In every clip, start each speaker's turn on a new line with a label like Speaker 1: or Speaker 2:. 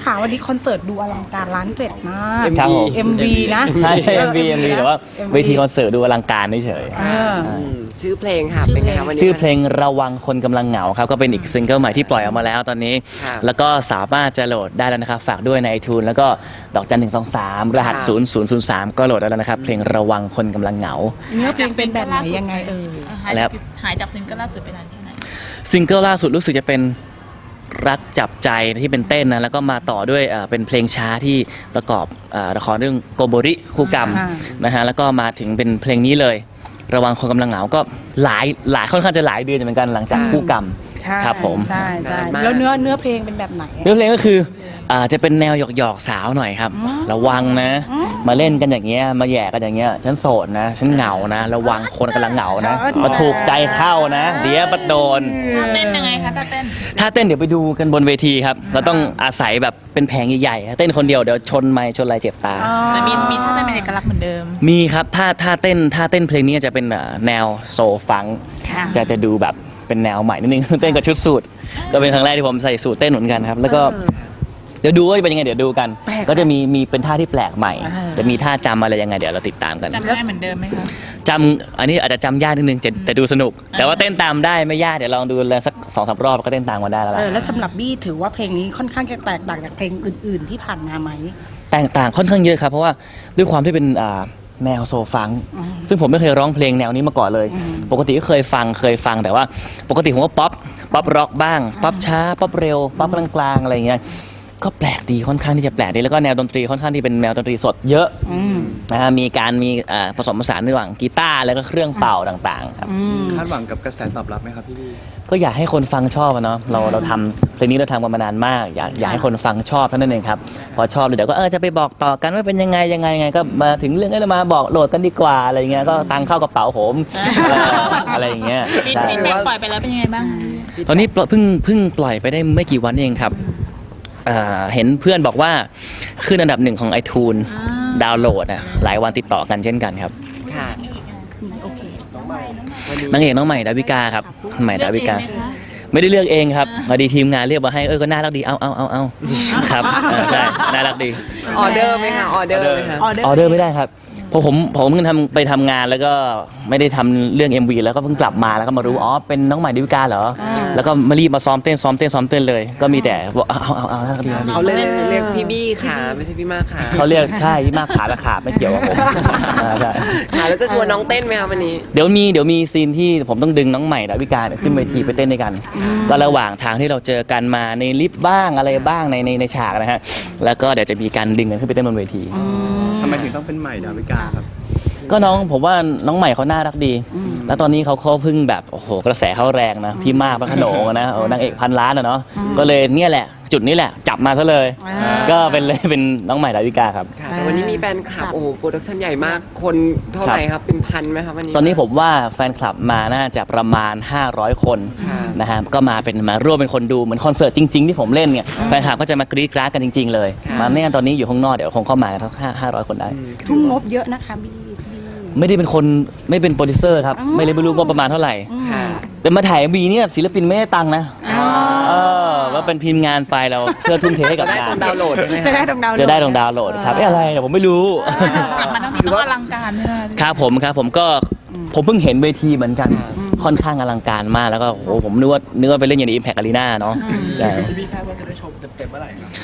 Speaker 1: ค่ะวันนี้คอนเสิร์ตดูอลังการล้านเจ็ดมาก
Speaker 2: ครับผม
Speaker 1: MV นะ
Speaker 2: ใช่ MV แต่ว่าเวทีคอนเสิร์ตดูอลังการเฉย
Speaker 3: ชื่อเพลงค่ะเป็นไงคะวันนี้
Speaker 2: ชื่อเพลงระวังคนกำลังเหงาครับก็เป็นอีกซิงเกิลใหม่ที่ปล่อยออกมาแล้วตอนนี้
Speaker 3: ค่ะ
Speaker 2: แล้วก็สามารถจะโหลดได้แล้วนะครับฝากด้วยใน iTunes แล้วก็ดอกจัน123รหัส0003ก็โหลดได้แล้วนะครับเพลงระวังคนกำลังเหงา
Speaker 1: เนื้อเพลงเป็นแบบไหนยังไง
Speaker 2: แล้ว
Speaker 4: หายจากซิงเกิลล่าสุดไปนานแค่ไหน
Speaker 2: ซิงเกิลล่าสุดรู้สึกจะเป็นรักจับใจที่เป็นเต้นนะแล้วก็มาต่อด้วยเป็นเพลงช้าที่ประกอบละครเรื่องโกโบริคู่กรรมนะฮะแล้วก็มาถึงเป็นเพลงนี้เลย ระวังคนกำลังเหงาก็หลายค่อนข้างจะหลายเดือนเหมือนกันหลังจากคู่กรรม
Speaker 1: ใช่
Speaker 2: ครับผม
Speaker 1: ใช่แล้วเนื้อเพลงเป็นแบบไหน
Speaker 2: เนื้อเพลงก็คือจะเป็นแนวหยอกสาวหน่อยครับ ระวังนะ มาเล่นกันอย่างเงี้ยมาแย่กันอย่างเงี้ยฉันโสดนะฉันเหงานะระวังคนกำลังเหงานะมาถูกใจเข้านะเดี๋ยวบัดโดน
Speaker 4: ท่าเต้นยังไงคะท่าเต้น
Speaker 2: ถ้าเต้นเดี๋ยวไปดูกันบนเวทีครับเราต้องอาศัยแบบเป็นแผงใหญ่ๆเต้นคนเดียวเดี๋ยวชนไมค์ชนอะไรเจ็บตา
Speaker 4: แต่มีท่าเต้นเป็นเอกลักษณ์เหมือนเดิม
Speaker 2: มีครับถ้าเต้นเพลงนี้จะเป็นแนวโซฟังก์
Speaker 1: ค่ะ
Speaker 2: จะดูแบบเป็นแนวใหม่นิดนึง เต้นกับชุดสูทก็เป็นครั้งแรกที่ผมใส่สูทเต้นเหมือนกันครับแล้วก็เดี๋ยวดูว่าเป็นยังไงเดี๋ยวดูกัน ก็จะมีเป็นท่าที่แปลกใหม่ จะมีท่าจำอะไรยังไงเดี๋ยวเราติดตามกัน
Speaker 4: จำได้เหมือนเดิมไหมคะ
Speaker 2: จำอันนี้อาจจะจำยากนิดนึงแต่ดูสนุก แต่ว่าเต้นตามได้ไม่ยากเดี๋ยวลองดูเลยสัก2-3 รอบก็เต้นตามกันได้แล้วล่ะ
Speaker 1: แล้วสำหรับบี้ถือว่าเพลงนี้ค่อนข้างจะแตกต่างจากเพลงอื่นๆที่ผ่านมาไหม
Speaker 2: แตกต่างค่อนข้างเยอะครับเพราะว่าด้วยความที่เป็นแนวโซฟังก์ซึ่งผมไม่เคยร้องเพลงแนวนี้มาก่อนเลย ปกติก็เคยฟังแต่ว่าปกติผมก็ป๊อปร็อกบ้างป๊อปช้าป๊อปเร็วป๊อปกลางๆอะไรอย่างเงี้ยก็แปลกดีค่อนข้างที่จะแปลกดีแล้วก็แนวดนตรีค่อนข้างที่เป็นแนวดนตรีสดเยอะนะฮะมีผสมผสานระหว่างกีตาร์แล้วก็เครื่องเป่าต่างๆครับ
Speaker 5: คาดหวังกับกระแสตอบรับไหมครับพี่
Speaker 2: ก็อยากให้คนฟังชอบอะเนาะเราทำเพลงนี้เราทำกันมานานมากอยากให้คนฟังชอบเท่านั้นเองครับพอชอบเดี๋ยวก็จะไปบอกต่อกันว่าเป็นยังไงก็มาถึงเรื่องนี้เรามาบอกโหลดกันดีกว่าอะไรเงี้ยก็ตังเข้ากระเป๋าผมอะไรอย่างเงี้ย
Speaker 4: ฟีด
Speaker 2: ใช่
Speaker 4: แบ็กปล่อยไปแล้วเป็นยังไงบ้าง
Speaker 2: ตอนนี้เพิ่งปล่อยไปได้ไม่กี่วันเองครับเห็นเพื่อนบอกว่าขึ้นอันดับ1ของ iTunes ดาวน์โหลดหลายวันติดต่อกันเช่นกันครับ
Speaker 3: ค่ะ
Speaker 2: นางเอกน้องใหม่ดาวิกาครับใหม่ดาวิกา ไม่ได้เลือกเองครับพอดีทีมงานเรียกมาให้ก็น่ารักดีเอาครับใช่น่ารักดี
Speaker 3: ออเดอร์ไหมคะออเดอร์ไหมคะ
Speaker 2: ออเดอร์ไม่ได้ครับเพราะผมเพิ่งไปทำงานแล้วก็ไม่ได้ทำเรื่อง MV แล้วก็เพิ่งกลับมาแล้วก็มารู้เป็นน้องใหม่ดาวิกาเหรอแล้วก็มารีบมาซ้อมเต้นเลยก็มีแต่บอกเอาน่ารักดี
Speaker 3: เขาเรียกพี่บี้ค่ะไม่ใช่พี่มากค่ะ
Speaker 2: เขาเรียกใช่ที่มากขาและขาไม่เกี่ยวกับผมใช่
Speaker 3: ค่ะแล้วจะชวนน้องเต้นไหมคะวันนี้
Speaker 2: เดี๋ยวมีซีนที่ผมต้องดึงน้องใหม่ดาวิกาขึ้นเวทีไปเต้นด้วยกันก็ระหว่างทางที่เราเจอกันมาในลิฟต์บ้างอะไรบ้างในฉากนะฮะแล้วก็เดี๋ยวจะมีการดึงกันขึ้นไปเต้นบนเวที
Speaker 5: ทำไมถึงต้องเป็นใหม่ดาวิกาครับ
Speaker 2: ก็ผมว่าน้องใหม่เขาน่ารักดี แล้วตอนนี้เขาเพิ่งแบบโอ้โหกระแสเขาแรงนะพี่มากพระโขนงนะนางเอกพันล้านเนาะก็เลยเนี่ยแหละจุดนี้แหละจับมาซะเลย ก็เป็นน้องใหม่ดาวิกาครับ
Speaker 3: ค่ะแต่วันนี้มีแฟนคลับโอ้โหโปรดักชั่นใหญ่มากคนเท่าไหร่ครับเป็นพันไหมครับวันนี้
Speaker 2: ตอนนี้ผมว่าแฟนคลับมาน่าจะประมาณ500 คนนะฮะก็มาร่วมเป็นคนดูเหมือนคอนเสิร์ตจริงๆที่ผมเล่นเนี่ยแฟนคลับก็จะมากรี๊ดกราดกันจริงๆเลยมาไม่งั้นตอนนี้อยู่ข้างนอกเดี๋ยวคงเข้ามาทั้ง500 คนได้
Speaker 1: ทุ่มงบเยอะนะคะบี้
Speaker 2: ไม่ได้เป็นคนไม่เป็นโปรดิวเซอร์ครับไม่รู้ว่าประมาณเท่าไหร่
Speaker 3: ค่ะ
Speaker 2: แต่มาถ่ายวีเนี่ยศิลปินไม่ได้ตังค์นะว่าเป็นทีมงานไปเราเพื่อทุ่มเทให้กับ
Speaker 3: ได้
Speaker 2: งา
Speaker 3: ตร
Speaker 2: น
Speaker 3: งดาวน์โหลดใช่ไหมคะ
Speaker 1: จะได้ตรงดาวน์โหลด
Speaker 2: จะได้ตรงดาวน์โหลดครับอะไรเดี๋ยวผมไม่รู้
Speaker 4: กลับมาทั้งทีต้องอลังการใช่ไหม
Speaker 2: ครับผมก็ผมเพิ่งเห็นเวทีเหมือนกันค่อนข้างอลังการมากแล้วก็โอ้ผมนึกว่าไปเล่นอย่างใน Impact Arena เนาะพี่คาดว่าจะได้ชมเต็มเมื่อไหร่ครับ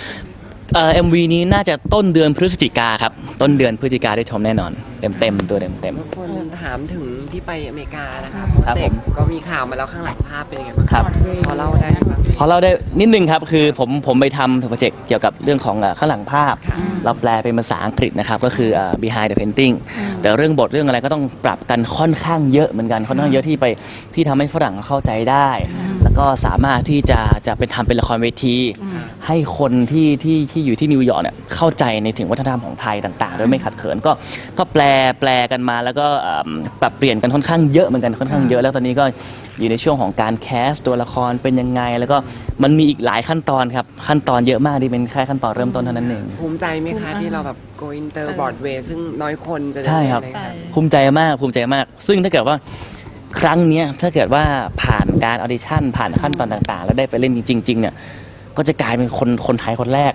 Speaker 2: MV นี้น่าจะต้นเดือนพฤศจิกาครับต้นเดือนพฤศจิกาได้ชมแน่นอนเต็มตัวเต็ม
Speaker 3: คนถามถึงที่ไปอเมริกานะคะ
Speaker 2: ครับ
Speaker 3: เด็
Speaker 2: ผ
Speaker 3: ก
Speaker 2: ม
Speaker 3: ก็มีข่าวมาแล้วข้างหลังภาพเป็นยังไงบ้าง
Speaker 2: ครับ
Speaker 3: พอเล่าได้ไหมบ้าง
Speaker 2: พอเราได้นิดนึงครับคือผมไปทำโปรเจกต์เกี่ยวกับเรื่องของข้างหลังภาพ เราแปลเป็นภาษาอังกฤษนะครับก็คือbehind the painting แต่เรื่องบทเรื่องอะไรก็ต้องปรับกันค่อนข้างเยอะเหมือนกันค่อนข้างเยอะที่ทำให้ฝรั่งเข้าใจได้ แล้วก็สามารถที่จะเป็นทำเป็นละครเวที ให้คนที่อยู่ที่นิวยอร์กเนี่ยเข้าใจในถึงวัฒนธรรมของไทยต่างๆโดยไม่ขัดเขินก็แปลกันมาแล้วก็ปรับเปลี่ยนกันค่อนข้างเยอะเหมือนกันค่อนข้างเยอะแล้วตอนนี้ก็อยู่ในช่วงของการแคสตัวละครเป็นยังไงแล้วก็มันมีอีกหลายขั้นตอนครับขั้นตอนเยอะมากที่เป็นแค่ขั้นตอนเริ่มต้นเท่านั้นเอง
Speaker 3: ภูมิใจไหมคะที่เราแบบ go inter Broadway ซึ่งน้อยคนจะได้
Speaker 2: ใช่ครับ
Speaker 3: อะไ
Speaker 2: ภูมิใจมากซึ่งถ้าเกิดว่าครั้งเนี้ยถ้าเกิดว่าผ่านการออดิชั่นผ่านขั้นตอนต่างๆ แล้วได้ไปเล่นจริงๆเนี่ยก็จะกลายเป็นคนไทยคนแรก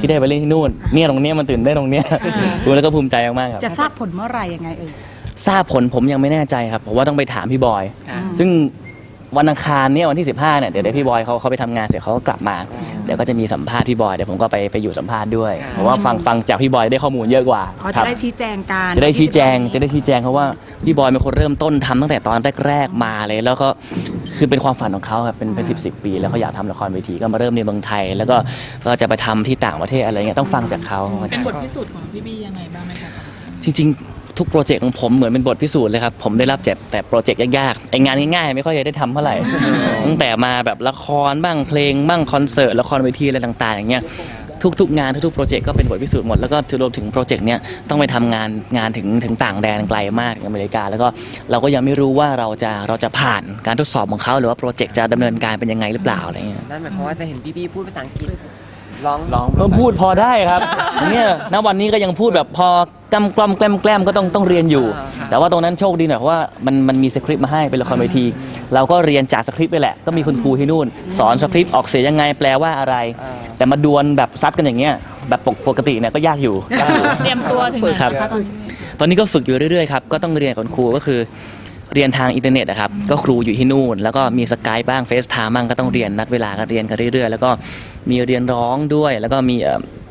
Speaker 2: ที่ได้ไปเล่นที่นู่นเนี่ยตรงเนี้ยมันตื่นได้นตรงเนี้ยดูแล้วก็ภูมิใจมากๆครับ
Speaker 1: จะทราบผลเมื่อไหร่ยังไง
Speaker 2: ทราบผลผมยังไม่แน่ใจครับผมว่าต้องไปถามพี่บอย
Speaker 3: ค่ะ
Speaker 2: ซึ่งวันอังคารเนี่ยวันที่ 15เนี่ยเดี๋ยวพี่บอยเขาไปทำงานเสร็จเขาก็กลับมาเดี๋ยวก็จะมีสัมภาษณ์พี่บอยเดี๋ยวผมก็ไปอยู่สัมภาษณ์ด้วยเพราะว่าฟังจากพี่บอยได้ข้อมูลเยอะกว่า
Speaker 1: เขา
Speaker 2: ครั
Speaker 1: จะ
Speaker 2: บ
Speaker 1: ได้ชี้แจงการ
Speaker 2: จะได้ชี้แจงเพราะว่าพี่บอยเป็นคนเริ่มต้นทำตั้งแต่ตอนแรกๆมาเลยแล้วก็คือเป็นความฝันของเขาครับเป็น10 ปีแล้วเขาอยากทำละครเวทีก็มาเริ่มในเมืองไทย แล้วก็จะไปทำที่ต่างประเทศอะไรเงี้ยต้องฟังจากเขา
Speaker 4: เป็นบทพิสูจน์ของพี่บี้ยังไงบ้างไหมคะ
Speaker 2: จริงๆ ทุกโปรเจกต์ของผมเหมือนเป็นบทพิสูจน์เลยครับผมได้รับแต่โปรเจกต์ยากๆไองานง่ายๆไม่ค่อยจะได้ทำเท่าไหร่ ตั้งแต่มาแบบละครบ้างเพลงบ้างคอนเสิร์ตละครเวทีอะไรต่างๆอย่างเงี้ยทุกงานทุกโปรเจกต์ก็เป็นบทพิสูจน์หมดแล้วก็รวมถึงโปรเจกต์เนี้ยต้องไปทำงานถึงต่างแดนไกลมากถึงอเมริกาแล้วก็เราก็ยังไม่รู้ว่าเราจะผ่านการทดสอบของเขาหรือว่าโปรเจกต์จะดำเนินการเป็นยังไงหรือเปล่าอะไรเงี้ย
Speaker 3: นั่นหมายความว่าจะเห็นพี่บี้พูดภาษาอังกฤษร้อง
Speaker 2: ก็พูดพอได้ครับเนี่ยณวันนี้ก็ยังพูดแบบพอกำกล่อมแกล้มก็ต้องเรียนอยู่ แต่ว่าตรงนั้นโชคดีหน่อยเพราะว่ามันมีสคริปต์มาให้เป็นละครเวที เราก็เรียนจากสคริปต์ไปแหละก็มีคุณครูที่นู่น สอนสคริปต์ออกเสียงยังไงแปลว่าอะไร แต่มาดวลแบบซัดกันอย่างเงี้ยแบบปกติเนี่ยก็ยากอยู่
Speaker 4: เตรียมตัวถึงไหน
Speaker 2: ครับ
Speaker 4: คะตอนนี้
Speaker 2: ตอนนี้ก็ฝึกอยู่เรื่อยๆครับก็ต้องเรียนกับคุณครูก็คือเรียนทางอินเทอร์เน็ตนะครับก็ครูอยู่ที่นู่น แล้วก็มีสกายบ้างเฟซไทม์บ้างก็ต้องเรียนนัดเวลากันเรียนกันเรื่อยๆแล้วก็มีเรียนร้องด้วยแล้วก็มี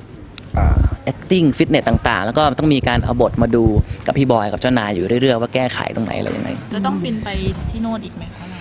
Speaker 2: acting fitness ต่างๆ แล้วก็ต้องมีการเอาบทมาดูกับพี่บอยกับเจ้านายอยู่เรื่อยๆว่าแก้ไขตรงไหนอะไรยังไง
Speaker 4: จะต้องบินไปที่โน่นอีกไหมคะเรา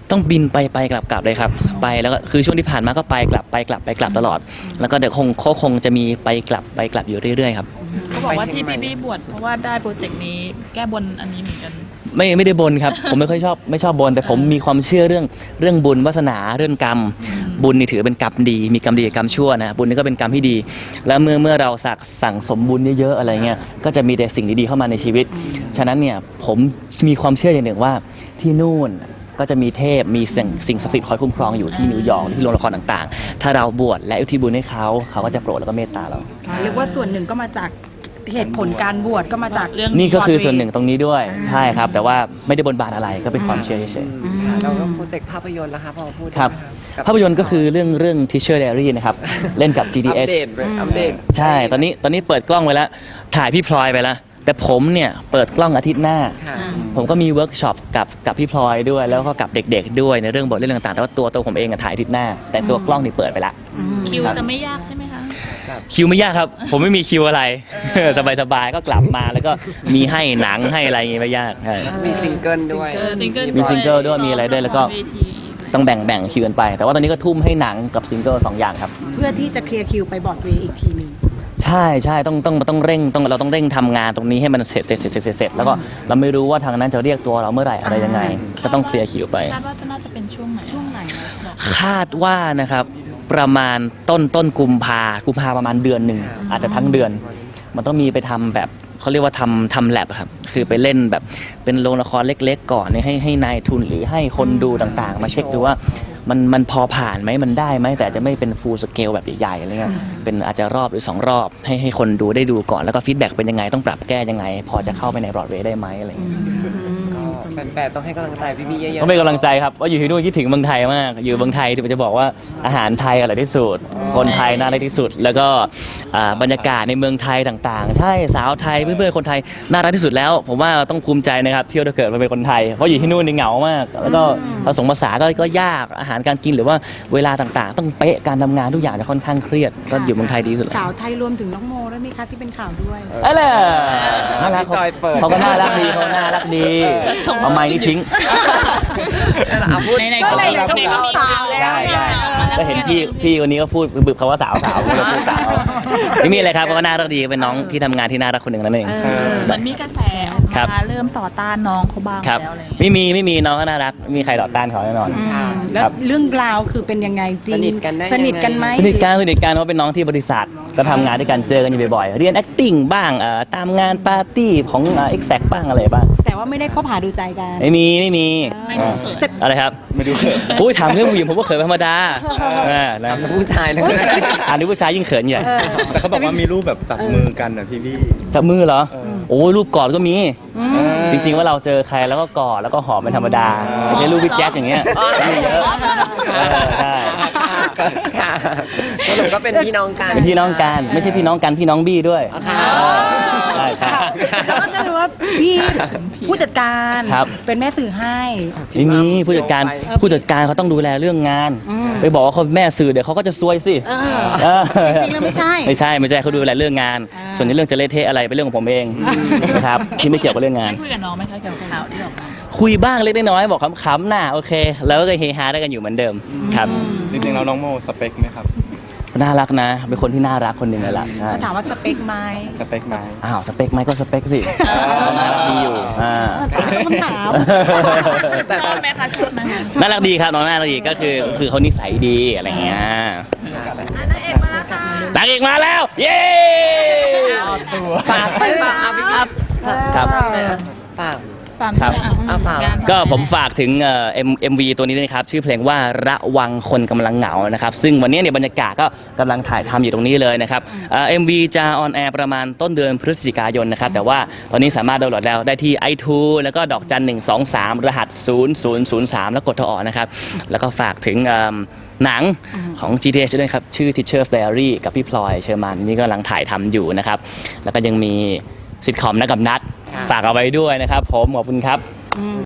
Speaker 2: ต้องบินไปกลับเลยครับไปแล้วก็คือช่วงที่ผ่านมาก็ไปกลับตลอด แล้วก็เดี๋ยวคงจะมีไปกลับอยู่เรื่อยๆครับ
Speaker 4: เขาบอกว่าที่พี่บี้บวชเพราะว่าได้โปรเจกต์นี้แก้บนอันนี้เหมือนกัน
Speaker 2: ไม่ได้บนครับ ผมไม่ชอบบนแต่ผมมีความเชื่อเรื่องบุญวาสนาเรื่องกรรม บุญนี่ถือเป็นกรรมดีมีกรรมดีกับกรรมชั่วนะบุญนี่ก็เป็นกรรมที่ดี แล้วเมื่อเราสั่งสมบุญเยอะๆอะไรเงี้ยก็จะมีแต่สิ่งดีๆเข้ามาในชีวิต ฉะนั้นเนี่ยผมมีความเชื่ออย่างหนึ่งว่าที่นู่นก็จะมีเทพมีสิ่งศักดิ์สิทธิ์คอยคุ้มครองอยู่ที่นิวยอร์กที่โรงละครต่างๆ ถ้าเราบวชและอุทิศบุญให้เขาก็จะโปรดแล้วก็เมตตาเรา
Speaker 1: เรียกว่าส่วนหนึ่งก็มาจากเหตุผลการบวชก็มาจาก
Speaker 4: เรื่อง
Speaker 2: นี่ก็คือส่วนหนึ่งตรงนี้ด้วยใช่ครับ แต่ว่าไม่ได้บนบานอะไรก็เป็นความเชื่อเฉยๆ
Speaker 3: ค่ะแล้วก็โปรเจกต์ภาพยนตร์ล่ะคะพอพูด
Speaker 2: ครับ
Speaker 3: ได้ไหมะ
Speaker 2: ภาพยนตร์ก็คือเรื่อง Teacher Diary นะครับ เล่นกับ
Speaker 3: อัป
Speaker 2: GDS
Speaker 3: เดต
Speaker 2: ใช่ตอนนี้เปิดกล้องไปแล้วถ่ายพี่พลอยไปแล้ว แต่ผมเนี่ยเปิดกล้องอาทิตย์หน้า
Speaker 3: ค่ะ
Speaker 2: ผมก็มีเวิร์กช็อปกับพี่พลอยด้วย แล้วก็กับเด็กๆด้วยในเรื่องบทเรื่องต่างๆแต่ว่าตัวผมเองอะถ่ายอาทิตย์หน้า แต่ตัวกล้องนี่เปิดไปละ
Speaker 4: คิวจะไม่ยากใช่ไหมคะ
Speaker 2: คิวไม่ยากครับ ผมไม่มีคิวอะไร สบายๆก็กลับมาแล้วก็มีให้หนังให้อะไรอย่างงี้ไม่ยากใช่
Speaker 3: มีซิงเกิลด้วย
Speaker 4: ซิงเกิล
Speaker 2: มีซิงเกิลด้วยมีอะไรด้วยแล้วก็
Speaker 4: เวที
Speaker 2: ต้องแบ่งคิวกันไป แต่ว่าตอนนี้ก็ทุ่มให้หนังกับซิงเกิล2อย่างครับ
Speaker 1: เพื่อที่จะเคลียร์คิวไปบอร์ดเวย์อีกทีหนึ่ง
Speaker 2: ใช่ต้องเร่งเราต้องเร่งทำงานตรงนี้ให้มันเสร็จแล้วก็เราไม่รู้ว่าทางนั้นจะเรียกตัวเราเมื่อไหร่อะไรยังไง ก็ต้องเคลียร์คิวไป
Speaker 4: คาดว่าจะน่าจะเป็นช่วงไหนบอก
Speaker 2: คาดว่านะครับประมาณต้นกุมภาประมาณเดือนหนึ่งอาจจะทั้งเดือน มันต้องมีไปทำแบบเขาเรียกว่าทำแลบครับคือไปเล่นแบบเป็นโรงละครเล็กๆก่อนให้นายทุนหรือให้คนดูต่างๆ มาเช็คดูว่ามันพอผ่านไหมมันได้ไหมแต่จะไม่เป็นฟูลสเกลแบบใหญ่ๆอะไรเงี้ยเป็นอาจจะรอบหรือ2รอบให้คนดูได้ดูก่อนแล้วก็ฟีดแบ็กเป็นยังไงต้องปรับแก้ยังไง พอจะเข้าไปในบรอดเวย์ได้ไหมอะไรเงี้ย
Speaker 3: ก็แฟนๆต้องให้กำลังใจพี่บี้เยอะๆ
Speaker 2: ก็เป็นกำลังใจครับว่าอยู่ที่นู่นคิดถึงเมืองไทยมากอยู่เมืองไทยจะบอกว่าอาหารไทยอร่อยที่สุดคนไทยน่ารักที่สุด แล้วก็บรรยากาศในเมืองไทยต่างๆ ใช่สาวไทยเพื่อนๆคนไทยน่ารักที่สุดแล้ว ผมว่าต้องภูมิใจนะครับเที่ยวถ้าเกิดมาเป็นคนไทยเพราะอยู่ที่นู่นนี่เหงามาก แล้วก็ผสมภาษาก็ยากอาหารการกินหรือว่าเวลาต่างๆ ต้องเป๊ะการทำงานทุกอย่างจะค่อนข้างเครียดก็อยู่เมืองไทยดีที่สุดแล้ว
Speaker 1: สาวไทยรวมถึงน้องโมด้วยไหมคะที่เป็นข่าวด้วย
Speaker 2: อะไรน่ารัก
Speaker 3: พี่จอยเปิด
Speaker 2: เขาก็น่ารักดีเขาน่ารักดีเอาไม้นี่ทิ้ง
Speaker 3: พูด
Speaker 4: ในๆก็มี
Speaker 1: ก็มีสาวแล้วเนี่ย
Speaker 2: ก็เห็นพี่คนนี้ก็พูดบึบเขาว่าสาวก็เลยพูดสาวไม่มีอะไรครับเขาก็น่ารักดีเป็นน้องที่ทำงานที่น่ารักคนหนึ่งนั่นเอง
Speaker 4: เหมือนมีกระแสออก
Speaker 2: ครับ
Speaker 4: มาเริ่มต่อต้านน้องเขาบ้าง
Speaker 2: ครับ
Speaker 4: แล้วอะไรอย่างเงี้ย
Speaker 2: ไม่มีน้องก็น่ารักไม่มีใครต่อต้านเขาแน่นอน
Speaker 1: แล้ว
Speaker 2: ครับ
Speaker 1: เรื่องราวคือเป็นยังไงจริง
Speaker 3: สนิทกันได้ยังไง
Speaker 1: สนิทกันไหม
Speaker 2: สนิทกันเพราะเป็นน้องที่บริษัทก็ทำงานด้วยกันเจอกันอยู่บ่อยๆเรียน acting บ้างตามงานปาร์ตี้ของexact บ้างอะไรบ้าง
Speaker 1: แต่ว่าไม่ได้คบหาดูใจกัน
Speaker 2: ไม่มี
Speaker 4: ไม่ได้เขิน
Speaker 2: อะไรครับไม่ดูเขินอุ้ยถามเรื่องผู้หญิงผมก็เขินเป็นธรรมดานะ
Speaker 3: ผู้ชายเลย
Speaker 2: อันนี้ผู้ชายยิ่งเขินใหญ่
Speaker 5: แต่เขาบอกว่ามีรูปแบบจับมือกันนะพี่บี้
Speaker 2: จับมือเหรอ
Speaker 5: เออ
Speaker 2: โอ้ยรูปกอดก็มี จริงๆว่าเราเจอใครแล้วก็กอดแล้วก็หอมเป็นธรรมดาไม่ใช่รูปพี่แจ็คอย่างเงี้ยมีเยอะใช่
Speaker 3: ค่ะสรุปก็เป็นพี่น้องกัน
Speaker 2: เป็นพี่น้องกันไม่ใช่พี่น้องกันพี่น้องบี้ด้วย
Speaker 3: ค่ะ
Speaker 2: ใช่ใช่
Speaker 1: แล้วก็จะรู้ว่าพี่ผู้จัดการ
Speaker 2: ครับ
Speaker 1: เป็นแม่สื่อให้
Speaker 2: ไม่มีผู้จัดการเขาต้องดูแลเรื่องงาน
Speaker 1: อืม
Speaker 2: ไปบอกว่าเขาแม่สื่อเดี๋ยวเขาก็จะซวยสิ
Speaker 1: เออ จริงๆแล้วไม่ใช่
Speaker 2: ไม่ใช่เขาดูแลเรื่องงาน
Speaker 1: อ่า
Speaker 2: ส่วนในเรื่องจะเละเทะอะไรเป็นเรื่องของผมเองนะครับที่ไม่เกี่ยวกับเรื่องงาน
Speaker 4: ได้คุยกับน้องไหมคะเกี่ยวกับข่าวที่ออกมา
Speaker 2: คุยบ้างเล็กน้อยบอกขำๆน่ะโอเค แล้วก็เฮฮาได้กันอยู่เหมือนเดิมครับ
Speaker 5: จริงๆแล้วน้องโมสเปคไหมครับ
Speaker 2: น่ารักนะเป็นคนที่น่ารักคนหนึ่งเลยล่ะใช่
Speaker 1: เขาถามว่าสเปคไหม
Speaker 5: สเปคไหม
Speaker 2: อ้าวสเปคไหมก็สเปคสิน่ารักดีอยู่
Speaker 1: คำถาม
Speaker 4: ชอบไหมคะชอบไหมคะ
Speaker 2: น่ารักดีครับน้องน่ารักดีก็คือเขานิสัยดีอะไรเงี้ยนางเอกมาแล้วเย้
Speaker 3: ฝากไปฝากพี่ครับ
Speaker 2: ครับ
Speaker 3: ฝาก
Speaker 4: ฟัง
Speaker 2: ครับ
Speaker 3: ฝาก
Speaker 2: ก็ผมฝากถึงMV ตัวนี้ด้วยนะครับชื่อเพลงว่าระวังคนกำลังเหงานะครับซึ่งวันนี้เนี่ยบรรยากาศก็กำลังถ่ายทำอยู่ตรงนี้เลยนะครับMV จะออนแอร์ประมาณต้นเดือนพฤศจิกายนนะครับแต่ว่าตอนนี้สามารถดาวน์โหลดได้ที่ iTunes แล้วก็ดอกจัน123 รหัส 0003 แล้วกดโทรออกนะครับแล้วก็ฝากถึงหนังของ GTH ด้วยครับชื่อ Teacher's Diary กับพี่พลอยเชอร์มานนี่กำลังถ่ายทำอยู่นะครับแล้วก็ยังมีซิทคอมนัดกับนัดฝากเอาไว้ด้วยนะครับผมขอบคุณครับ